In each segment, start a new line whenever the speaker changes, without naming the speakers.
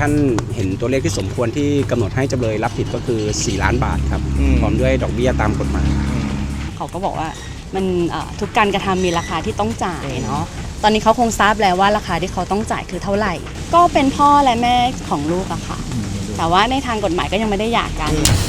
ท่านเห็นตัวเลขที่สมควรที่กำหนดให้จำเลยรับผิดก็คือ4 ล้านบาทครับพร้อมด้วยดอกเบี้ยตามกฎหมาย
เขาก็บอกว่ามันทุกการกระทำมีราคาที่ต้องจ่ายเนาะตอนนี้เขาคงทราบแล้วว่าราคาที่เขาต้องจ่ายคือเท่าไหร่ก็เป็นพ่อและแม่ของลูกอะค่ะแต่ว่าในทางกฎหมายก็ยังไม่ได้หย่ากัน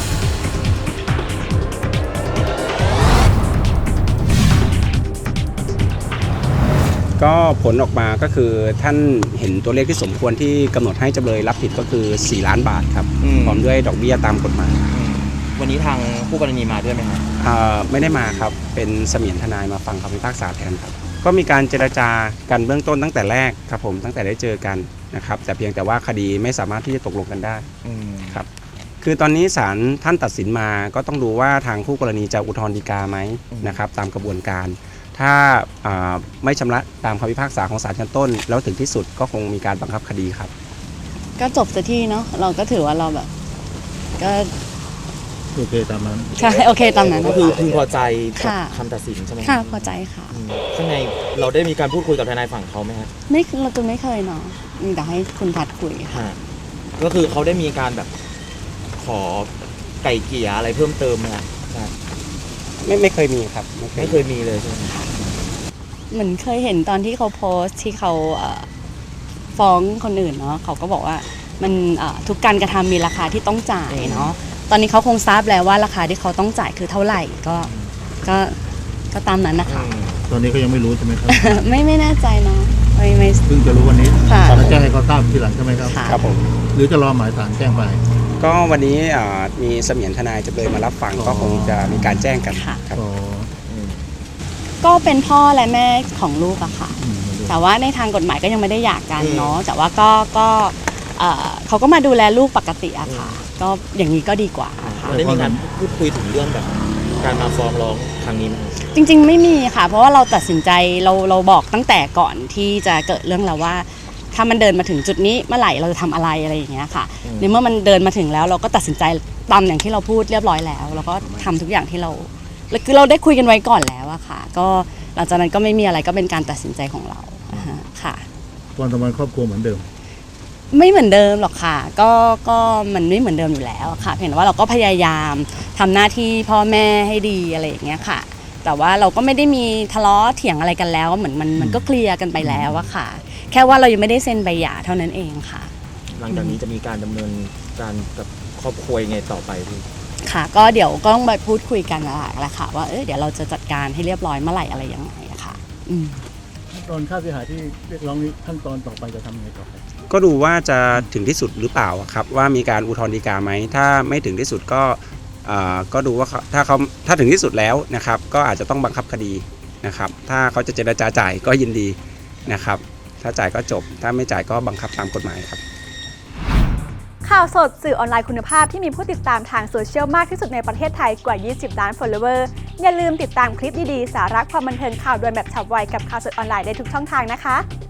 ก็ผลออกมาก็คือท่านเห็นตัวเลขที่สมควรที่กำหนดให้จำเลยรับผิดก็คือ4 ล้านบาทครับพร้อมด้วยดอกเบี้ยตามกฎหมาย
วันนี้ทางผู้กรณีมาด้วยไหมครับ
ไม่ได้มาครับเป็นเสมียนทนายมาฟังคำพิพากษาแทนครับก็มีการเจรจากันเบื้องต้นตั้งแต่แรกครับผมตั้งแต่ได้เจอกันนะครับแต่เพียงแต่ว่าคดีไม่สามารถที่จะตกลงกันได้ครับคือตอนนี้ศาลท่านตัดสินมาก็ต้องดูว่าทางคู่กรณีจะอุทธรณ์ฎีกาไหมนะครับตามกระบวนการถ้าไม่ชำระตามคำพิพากษาของศาลชั้นต้นแล้วถึงที่สุดก็คงมีการบังคับคดีครับ
ก็จบสักทีเนาะเราก็ถือว่าเราแบบก็
โอเคตามนั้น
ใช่โอเคตามนั้น
ก็คือพึงพอใจกับคำตัดสินใช่ไหม
ค่ะพอใจค่ะ
ข้างในเราได้มีการพูดคุยกับทนายฝั่งเขาไหมครับ
ไม่เราจะไม่เคยเนาะมีแต่ให้คุณพัดคุยค่ะ
ก็คือเขาได้มีการแบบขอไก่เกลี่ยอะไรเพิ่มเติมไหมครับ
ไม่เคยมีครับ
ไม่เคยมีเลยใช่ไหม
เหมือนเคยเห็นตอนที่เขาโพสต์ที่เขาฟ้องคนอื่นเนาะเขาก็บอกว่ามันทุกการกระทำมีราคาที่ต้องจ่ายเนาะตอนนี้เขาคงทราบแล้วว่าราคาที่เขาต้องจ่ายคือเท่าไหร่ก็ตามนั้นนะคะ
ตอนนี้ก็ยังไม่รู้ใช่ไหมครับ
ไม่แน่ใจเนาะไม่
เพิ่งจะรู้วันนี้แล้วแจ้งให้เขาทราบทีหลังใช่ไหมครับ
ครับผม
หรือจะรอหมายศาลแจ้งไป
ก็วันนี้มีเสมียนทนายจำเลยมารับฟังก็คงจะมีการแจ้งกันครับ
ก็เป็นพ่อและแม่ของลูกอะค่ะแต่ว่าในทางกฎหมายก็ยังไม่ได้หย่ากันเนาะแต่ว่าก็เขาก็มาดูแลลูกปกติอะค่ะก็อย่างนี้ก็ดีกว่า
ได้มีการพูดคุยถึงเรื่องแบบการมาฟ้องร้องครั้งนี้ไหม
จริงๆไม่มีค่ะเพราะว่าเราตัดสินใจเราบอกตั้งแต่ก่อนที่จะเกิดเรื่องแล้วว่าถ้ามันเดินมาถึงจุดนี้เมื่อไหร่เราจะทำอะไรอย่างเงี้ยค่ะในเมื่อมันเดินมาถึงแล้วเราก็ตัดสินใจตามอย่างที่เราพูดเรียบร้อยแล้วแล้วก็ทำทุกอย่างที่เราคือเราได้คุยกันไว้ก่อนแล้วอะค่ะก็หลังจากนั้นก็ไม่มีอะไรก็เป็นการตัดสินใจของเราค่ะ
ความสัมพันธ์ครอบครัวเหมือนเดิม
ไม่เหมือนเดิมหรอกค่ะก็มันไม่เหมือนเดิมอยู่แล้วค่ะเห็นว่าเราก็พยายามทำหน้าที่พ่อแม่ให้ดีอะไรอย่างเงี้ยค่ะแต่ว่าเราก็ไม่ได้มีทะเลาะเถียงอะไรกันแล้วเหมือนมันก็เคลียร์กันไปแล้วอะค่ะแค่ว่าเรายังไม่ได้เซ็นใบหย่าเท่านั้นเองค่ะ
หลังจากนี้จะมีการดำเนินการกับครอบครัวยังไงต่อไปพี่
ค่ะก็เดี๋ยวก็ต้องไปพูดคุยกันแหละค่ะว่าเดี๋ยวเราจะจัดการให้เรียบร้อยเมื่อไหร่อะไรยังไงอะค่ะ
ขั้นตอนค่าเสียหายที่เรียกร้องนี้ขั้นตอนต่อไปจะทำยังไงต่อไป
ก็ดูว่าจะถึงที่สุดหรือเปล่าครับว่ามีการอุทธรณ์ฎีกาไหมถ้าไม่ถึงที่สุดก็ดูว่าถ้าถึงที่สุดแล้วนะครับก็อาจจะต้องบังคับคดีนะครับถ้าเขาจะเจรจาจ่ายก็ยินดีนะครับถ้าจ่ายก็จบถ้าไม่จ่ายก็บังคับตามกฎหมายครับ
ข่าวสดสื่อออนไลน์คุณภาพที่มีผู้ติดตามทางโซเชียลมากที่สุดในประเทศไทยกว่า20 ล้าน follower อย่าลืมติดตามคลิปดีๆสาระความบันเทิงข่าวด่วนแบบฉับไวกับข่าวสดออนไลน์ได้ทุกช่องทางนะคะ